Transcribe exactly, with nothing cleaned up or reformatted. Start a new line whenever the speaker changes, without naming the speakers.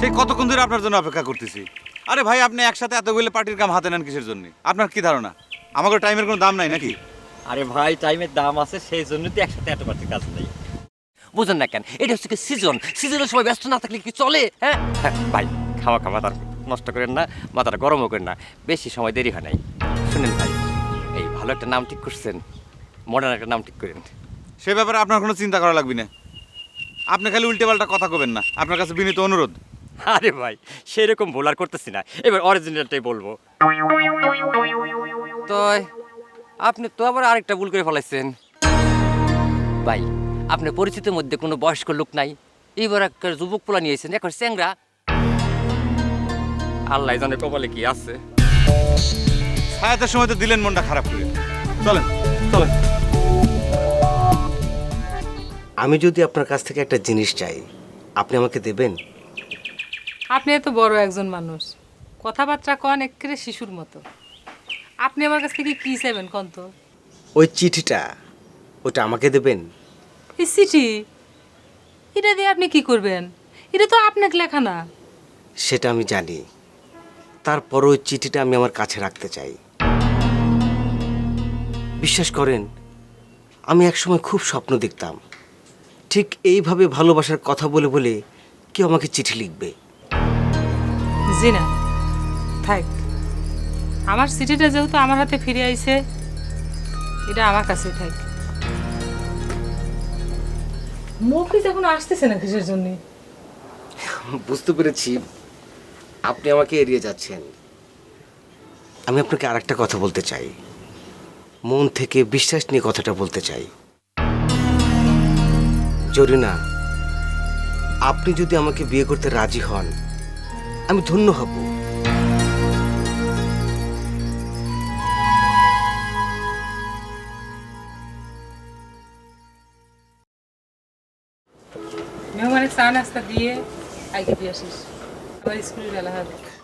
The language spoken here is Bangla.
সেই কতক্ষণ ধরে আপনার জন্য অপেক্ষা করতেছি। আরে ভাই, আপনি একসাথে এতগুলো পার্টির কাম হাতে নেন কিসের জন্য? আপনার কি ধারণা আমাকে টাইমের কোনো দাম নাই নাকি?
আরে ভাই, টাইমের দাম আছে, সেই জন্য তো একসাথে এত পার্টির কাজ নেই। বুঝেন না কেন? এটা হচ্ছে কি সিজন, সিজনের সময় ব্যস্ত না থাকলে কি চলে? হ্যাঁ হ্যাঁ, ভাই খাওয়া খাওয়া তার নষ্ট করেন না, মাথাটা গরমও করেন না, বেশি সময় দেরি হয় নাই। শুনেন ভাই, এই ভালো একটা নাম ঠিক করছেন, মডার্ন একটা নাম ঠিক করেন।
সে ব্যাপারে আপনার কোনো চিন্তা করা লাগবে না। আপনি খালি উল্টে পাল্টা কথা কবেন না, আপনার কাছে বিনীত অনুরোধ।
আরে ভাই, সেরকম ভুল আর করতেছি না, এবার অরিজিনালটাই বলবো। তো আপনি তো আবার আরেকটা ভুল করে ফেলাইছেন ভাই। আপনার পরিচিতির মধ্যে কোনো বয়স্ক লোক নাই, এবার একটা যুবক পোলা নিয়েছেন, এখন চ্যাংরা। আল্লাহ জানে কপালে কি আছে।
ছায়াতের সময় তো দিলেন মনটা খারাপ করে। চলেন চলেন।
আমি যদি আপনার কাছ থেকে একটা জিনিস চাই, আপনি আমাকে দেবেন?
আপনি এত বড় একজন মানুষ, কথাবার্তা কন একেবারে শিশুর মতো। আপনি আমার কাছ থেকে কি চাইবেন কন তো?
ওই চিঠিটা, ওটা আমাকে দেবেন?
এই চিঠি, এটা দিয়ে আপনি কি করবেন? এটা তো আপনাকে লেখা না।
সেটা আমি জানি, তারপর ওই চিঠিটা আমি আমার কাছে রাখতে চাই। বিশ্বাস করেন, আমি একসময় খুব স্বপ্ন দেখতাম ঠিক এইভাবে ভালোবাসার কথা বলে বলে কেউ আমাকে চিঠি লিখবে।
জি না, থাক। আমার চিঠিটা যেহেতু আমার হাতে ফিরে আইছে, এটা আমার কাছে থাক। মফিজ এখন আসতেছে না কিসের জন্য?
বুঝতে পেরেছি, আপনি আমাকে এড়িয়ে যাচ্ছেন। আমি আপনাকে আর একটা কথা বলতে চাই, মন থেকে বিশ্বাস নিয়ে কথাটা বলতে চাই। জরিনা, আপনি যদি আমাকে বিয়ে করতে রাজি হন, আমি ধন্য হব।
মেহমানের চা নাস্তা দিয়ে আগে দিয়ে আসিস, আমার স্কুলে বেলা হবে।